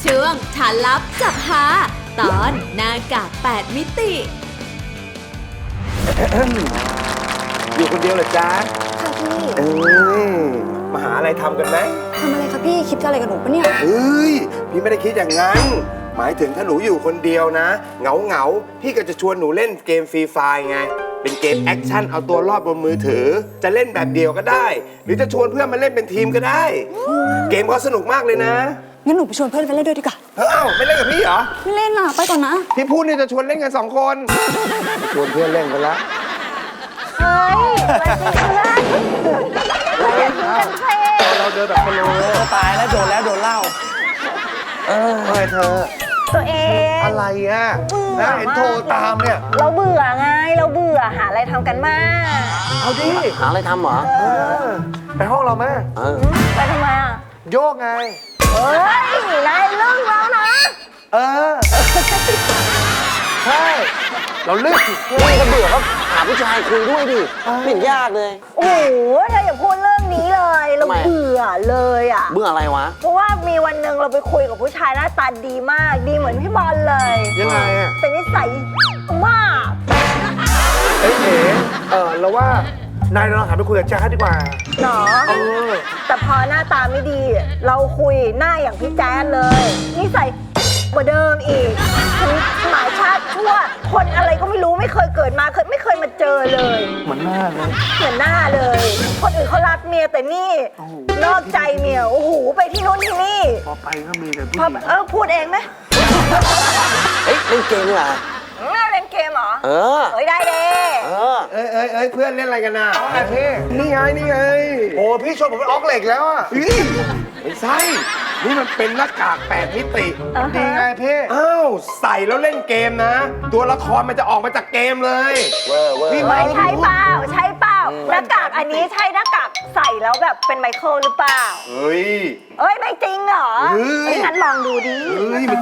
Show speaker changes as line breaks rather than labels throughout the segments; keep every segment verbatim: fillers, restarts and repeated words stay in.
ช่วงฐานลับจับหาตอนหน้ากากแปดมิติ
อยู่คนเดียวเหรอจ๊ะ
ค่ะพี่
เอ้ยมาหาอะไรทำกันไหม
ทำอะไรคะพี่คิดอะไรกับหนูปะเนี่ย
เฮ้ยพี่ไม่ได้คิดอย่างนั้น หมายถึงถ้าหนูอยู่คนเดียวนะเหงาเหงาๆพี่ก็จะชวนหนูเล่นเกมฟรีไฟร์ไงเป็นเกมแอคชั่นเอาตัวรอดบนมือถือ จะเล่นแบบเดียวก็ได้ หรือจะชวนเพื่อนมาเล่นเป็นทีมก็ได้ เกมเขาสนุกมากเลยนะ
งั้นหนูไปชวนเพื่อนไปเล่นด้วยดีกว่า
เอ้าไม่เล่นกับพี่เหรอ
ไม่เล่นล่ะไปก่อนนะ
พี่พูดเนี่ยจะชวนเล่นกันสองคนชวนเพื่อนเล่นกันละ
เฮ้ยมาสิเพื่อนเราอยากกินกันเซ่
เราเดินแบบพะโล้
ตายแล้วโดนแล้วโดนเหล้า
เออเฮ้ยเธอ
ตัวเอง
อะไรอ่ะ
เบื่อ
นะเห็นโทรตามเนี่ย
เราเบื่อไง เราเบื่อหาอะไรทำกันมาก
เอาดิ
หาอะไรทำเหรอ
เออไปห้องเราไหม
เออ
ไปทำไมอ่ะ
โยกไง
เฮ้ย นายเลิกแล้วนะ
เออ ใช่ เราเลือก
ไม่ก็เบื่อก็หาผู้ชายคุยด้วยดิไม่เห็นยากเลย
โอ้โหเธออย่าพูดเรื่องนี้เลย เรา
ทำไม
เบื่อเลยอ่ะ
เบื่ออะไรวะ
เพราะว่ามีวันหนึ่งเราไปคุยกับผู้ชายหน้าตาดีมาก ดีเหมือนพี่บอลเลย
ยังไงอ่ะ
แต่นิสัยมาก
เอ๋เอ๋เออเราว่านายเราหันไปคุยกับแจ๊คดีกว่า
หนอ
เออ
แต่พอหน้าตาไม่ดี เราคุยหน้าอย่างพี่แจ๊ดเลยนิสัยกว่าเดิมอีกถึงหมายชาติชั่ว คนอะไรก็ไม่รู้ไม่เคยเกิดมาเคยไม่เคยมาเจอเลย
เหมือนหน้าเลย
เหมือนหน้าเลย คนอื่นเขารักเมียแต่นี่ นอกใจเมียโอ้โหไปที่นู้นที่นี่
พอไปก็มีแต่ผู้
พอ
หญิง
เออพูดเองไหม
เฮ้ยเล่นเกมดีกว่า
ไม่เล่นเกมเหรอ
เออ
เฮ้ยได้เลย
เออ
เอ้ยเอ้ยเอ้ยเพื่อนเล่นอะไรกันน่ะไอ้พี่นี่ไงนี่ไงโอ้พี่ชวนผมเป็นออกเหล็กแล้วอ่ะไม่ใช่นี่มันเป็นหน้ากากแปดมิติดีไงพี่อ้าวใส่แล้วเล่นเกมนะ ตัวละครมันจะออกมาจากเกมเลยเวอร์เวอร์พี่
เฮ้ยใช่เปล่าใช่เปล่าหน้ากากอันนี้ใช่หน้ากากใส่แล้วแบบเป็นไมเคิลหรือเปล่า
เฮ้ย
เอ้ยไม่จริงเหรอ
เฮ้ย
เฮ้ยงั้นลองดูดิ
เฮ้ยมัน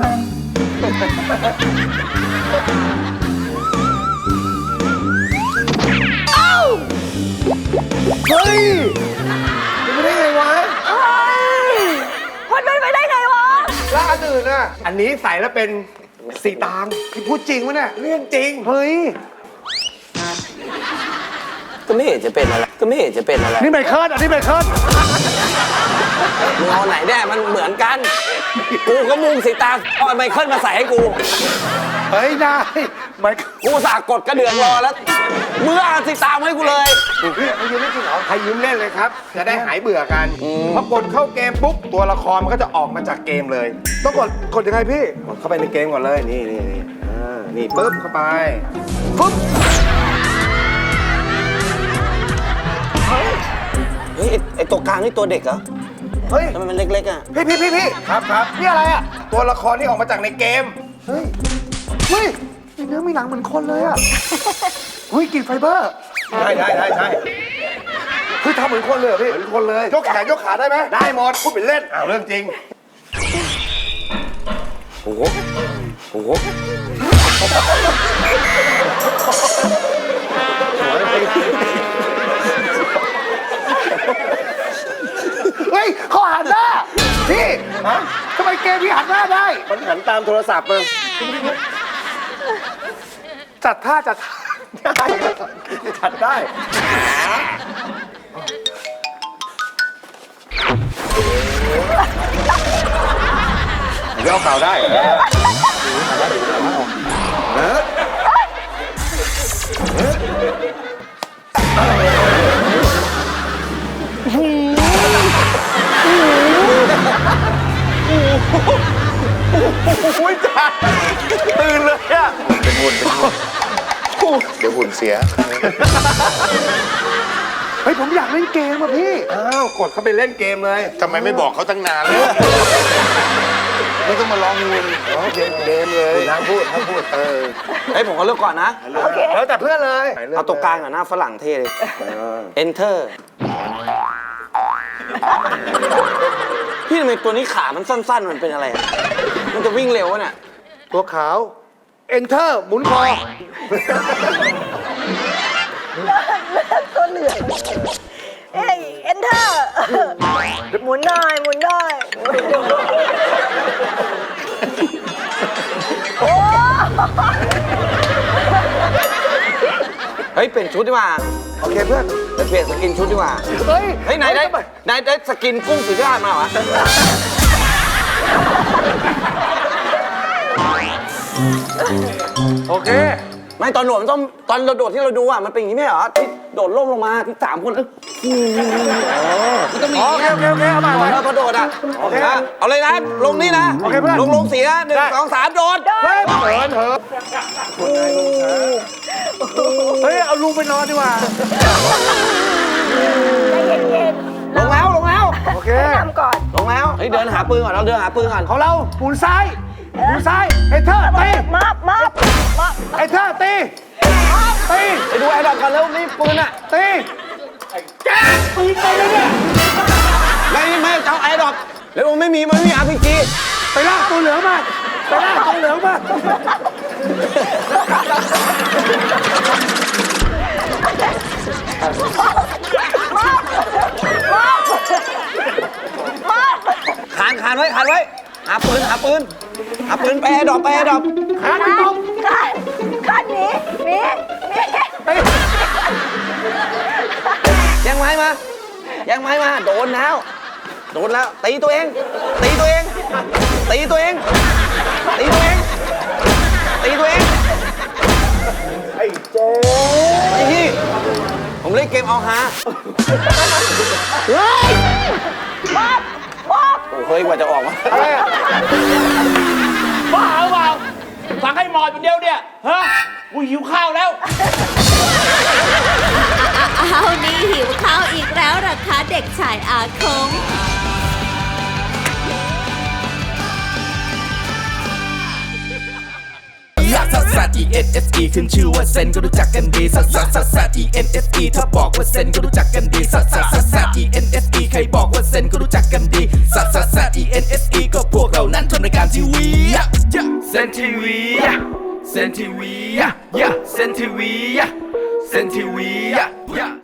เฮ้ยเป็นไปได้ไงวะ
เฮ้ยมันเป็นไปได้ไงวะ
แล้วอันอื่นน่ะอันนี้ใส่แล้วเป็นสีตางพี่พูดจริงวะเนี่ยเรื่องจริงเฮ้ย
ก็ไม่เห็นจะเป็นอะไร ก็ไม่เห็นจะเป็นอะไร
นี่ไมเคิลอันนี้ไมเคิล
มึงเอาไหนแน่มันเหมือนกัน กูก็มุ่งสีตาเอาไมเคิลมาใส่ให้กู
เฮ้ยนายไมเคิล
กูสากดกระเดืองรอแล้วมึงเอาสีตามาให้กูเลย
พี่เขายืมไม่จริงเหรอใครยืมเล่นเลยครับ จะได้หายเบื่อกันพอกดเข้าเกมปุ๊บตัวละครมันก็จะออกมาจากเกมเลย ต้องกดกดยังไงพี่กดเข้าไปในเกมก่อนเลยนี่นี่นี่อ่านี่ปุ๊บเข้าไปปุ๊บ
เฮ้ยไอ้ไอตัวกลางนี่ตัวเด็กเหรอ
เฮ้ย
ทำไมมันเล็กๆอ่ะ
พี่พี่พี่พี่ครับครับนี่อะไรอ่ะตัวละครที่ออกมาจากในเกมเฮ้ยเฮ้ยมีเนื้อมีหนังเหมือนคนเลยอ่ะเฮ้ยกลิ่นไฟเบอร์ใช่ใช่ใช่ใช่เฮ้ยทำเหมือนคนเลยเหรอพี่เหมือนคนเลยยกแขนยกขาได้ไหมได้หมดพูดเป็นเล่นอ้าวเรื่องจริง
โอ้โหโอ้โห
เฮ้ยเขาหันหน้าพี่ฮะทำไมเกมพี่หันหน้าได้มันหันตามโทรศัพท์มึงจัดท่าจัดท่าได้จัดได้เดี๋ยวเข่าได้เออโอ้ยจ้าตื่นเลยอะเป็นหุ่นเป็นหุ่นเดี๋ยวหุ่นเสียเฮ้ยผมอยากเล่นเกมอ่ะพี่อ้าวกดเข้าไปเล่นเกมเลยทำไมไม่บอกเขาตั้งนานเลยไม่ต้องมาลองเงินอ๋อเกมเกมเลยน้ำพูดน้ำพูดเออ
เฮ้ยผมก็เลือกก่อนนะ
แล้วแต่เพื่อนเลย
เอาตัวกลางอ่ะหน้าฝรั่งเท่เลย enter พี่ทำไมตัวนี้ขามันสั้นๆ มันเป็นอะไรอะมันจะวิ่งเร็ววะเนี่ย
ตัวขาว enter หมุนคอ
ตัวเหลืองเอ้ย enter หมุนหน่อยหมุนหน่อย
เปลี่ยนชุดดีกว่า
โอเคเพื่อน
ไปเปลี่ยนสกินชุดดีกว่า
เฮ้ย
เฮ้ยไหนได้ไหนได้สกินกุ้งสุธิราชมาเหรอ
โอเค
ไม่ตอนโดดมันต้องตอนเราโดดที่เราดูอ่ะมันเป็นอย่างนี้ไม่เหรอที่โดดล่มลงมาที่สามคนเออมันต้องมี
โอเคโอเคโอเคเอาใหม่เอาใหม่
เราพอโดดอ่ะ
โอเค
นะเอาเลยนะลงนี่นะ
โอเคเพื่อน
ลงลงสีนะหนึ่ง
ได้
สองสามโดด
เฮ้ยเหินเหินเฮ้ย เอาลุงไปนอนดีกว่า
ใจเย็น
ลงแล้วลงแล้ว
โอเค
ๆทำก่อน
ลงแล้วเฮ้ยเดินหาปืนก่อนเราเดินหาปืนก่อน
ของเราหมุนซ้ายหมุนซ้ายไอ้เธอตี
มับมับมับ
ไอ้เธอตีตี
ไปดูไอ้ดอกก่อนแล้วนี่ปืนอ่ะ
ตีแกปืนไปเลยเนี่ย
ไม่ไม่เจ้าไอ้ดอกแล้วมันไม่มีมันไม่มีอาร์พีจี
ไปลากตัวเหลืองมาไปลากตัวเหลืองมา
ขานขานไว้ขานไว้หาปืนหาปืนหาปืนไปไอ้ดอกไปไอ้ดอก
ขาไม่ตรง
ขันขันหนีหนีหนี
ไป
แย่งไม้มาแย่งไม้มาโดนแล้วโดนแล้วตีตัวเองตีตัวเองตีตัวเองตีตัวเองตีตัวเอง
ไอ้เจ๊
ไอ้ที่ผมเล่นเกมเอาฮา
มับมับ
โอ้เฮ้ยกว่าจะออกมา
อะไรอะ
บ้าหรือเปล่าสั่งให้หมอดเป็นเดียวเนี่ยฮะกูหิวข้าวแล้ว
อ้าวนี่หิวข้าวอีกแล้วเหรอคะเด็กชายอาคง
ลักซัสซัส E N S E ขึ้นชื่อว่าเซนก็รู้จักกันดีซัสซัสซัสซัส E N S E ถ้าบอกว่าเซนก็รู้จักกันดีซัสซัสซัสซัส E N S E ใครบอกว่าเซนก็รู้จักกันดีซัสซัสซัส E N S E ก็พวกเรานั้นทำรายการทีวีเซนทีวีเซนทีวีเซนทีวีเซนทีวี